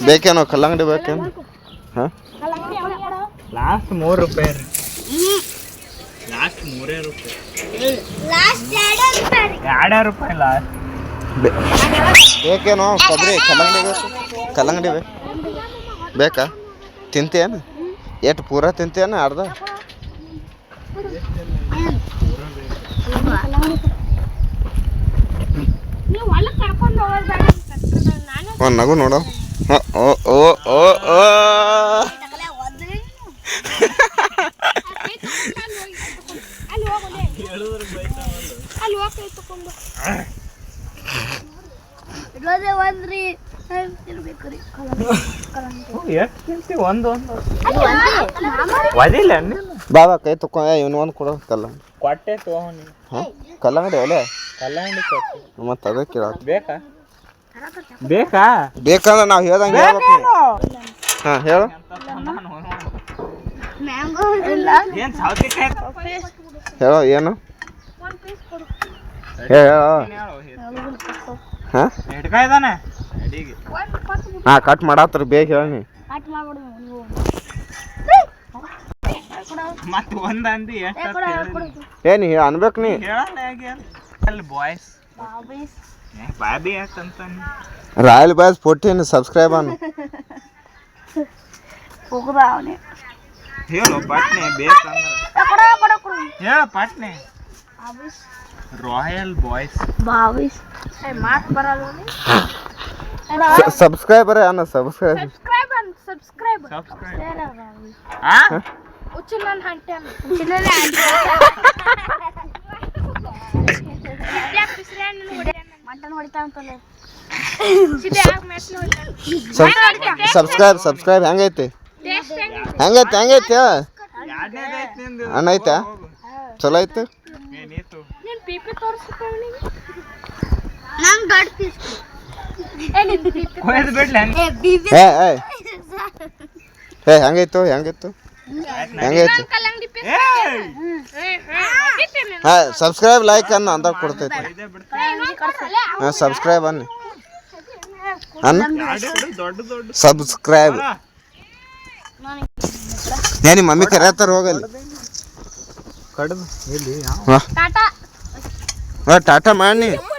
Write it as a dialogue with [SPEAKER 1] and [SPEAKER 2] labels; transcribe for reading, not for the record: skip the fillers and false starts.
[SPEAKER 1] ಬೇಕೇನೋ ಕಲ್ಲಂಗಡಿ ಬೇಕೇನು? ಹಾಂ
[SPEAKER 2] ಲಾಸ್ಟ್ 3 ರೂಪಾಯಿ ರೀ. ಲಾಸ್ಟ್ 3 ರೂಪಾಯಿ. ಲಾಸ್ಟ್ 2 ರೂಪಾಯಿ ಲಾಸ್ಟ್.
[SPEAKER 1] ಬೇಕೇನೋ ಕೊಬ್ಬರಿ ಕಲ್ಲಂಗಡಿ ಬೇಕು? ಕಲ್ಲಂಗಡಿ ಬೇಕಾ? ತಿಂತೇನು? ಎಷ್ಟು ಪೂರ ತಿಂತೇನು ಅರ್ಧ? ಒಂದು ನಗು ನೋಡು. ಓ ಓ ಓ ಓ ಬಾಬಾ ಕೈ ತಕೊ ಇವನು ಒಂದು ಕೊಡೋ ಕಲ್ಲ
[SPEAKER 2] ಕೊಟ್ಟೆ ತಗೊಂಡು.
[SPEAKER 1] ಹಾಂ ಕಲ್ಲಂಗಡಿ ಒಲೆ
[SPEAKER 2] ಕಲ್ಲಂಗಡಿ ಕೊಟ್ಟು
[SPEAKER 1] ಮತ್ತೆ ಅದೇ ಕೇಳ
[SPEAKER 2] ಬೇಕಾ? ಬೇಕಾ?
[SPEAKER 1] ಬೇಕಂದ್ರೆ ನಾವು ಹೇಳ್ದಂಗೆ ಹೇಳ್ಬೇಕು. ಹಾಂ ಹೇಳು. ಹೇಳೋ ಏನು ಹೇಳೋ. ಹಾಂ ಹಾಂ ಕಟ್ ಮಾಡತ್ತರ ಬೇಗ ಹೇಳಿ.
[SPEAKER 2] ಮತ್ತೆ ಒಂದಂದಿ
[SPEAKER 1] ಏನು ಅನ್ಬೇಕು ನೀ
[SPEAKER 2] ಬಾಯ್ಸ್ ಬಾಬಿ ಯಾಕಂತ
[SPEAKER 1] ರಾಯಲ್ ಬಾಯ್ಸ್ 14 ಸಬ್ಸ್ಕ್ರೈಬ್ ಅನ್ನು
[SPEAKER 2] ಹೇಳು ಪಟ್ನೆ ಬೇಕಂದ್ರೆ ಹೇಳ ಪಟ್ನೆ. ರಾಯಲ್ ಬಾಯ್ಸ್
[SPEAKER 1] ಸಬ್ಸ್ಕ್ರೈಬರ್ ಅನ್ನ ಸಬ್ಸ್ಕ್ರೈಬ್ ಸಬ್ಸ್ಕ್ರೈಬ್ ಹೆಂಗೈತಿ ಹೆಂಗೈತಿ ಅಣ್ಣ ಐತಾ ಚಲೋ ಐತೆ. ಹೆಂಗೈತು ಹೆಂಗೈತು ಹಾಂ ಸಬ್ಸ್ಕ್ರೈಬ್ ಲೈಕ್ ಅನ್ನ ಅಂದ ಕೊಡ್ತೈತಿ. ಹಾಂ ಸಬ್ಸ್ಕ್ರೈಬ್ ಅನ್ನ ಸಬ್ಸ್ಕ್ರೈಬ್ ಏನಿ ಮಮ್ಮಿ ಕರೆಯತ್ತಾರ ಹೋಗಲ್ಲಿ
[SPEAKER 2] ಕಡ್ದು
[SPEAKER 1] ಟಾಟಾ ಮಾಡಿ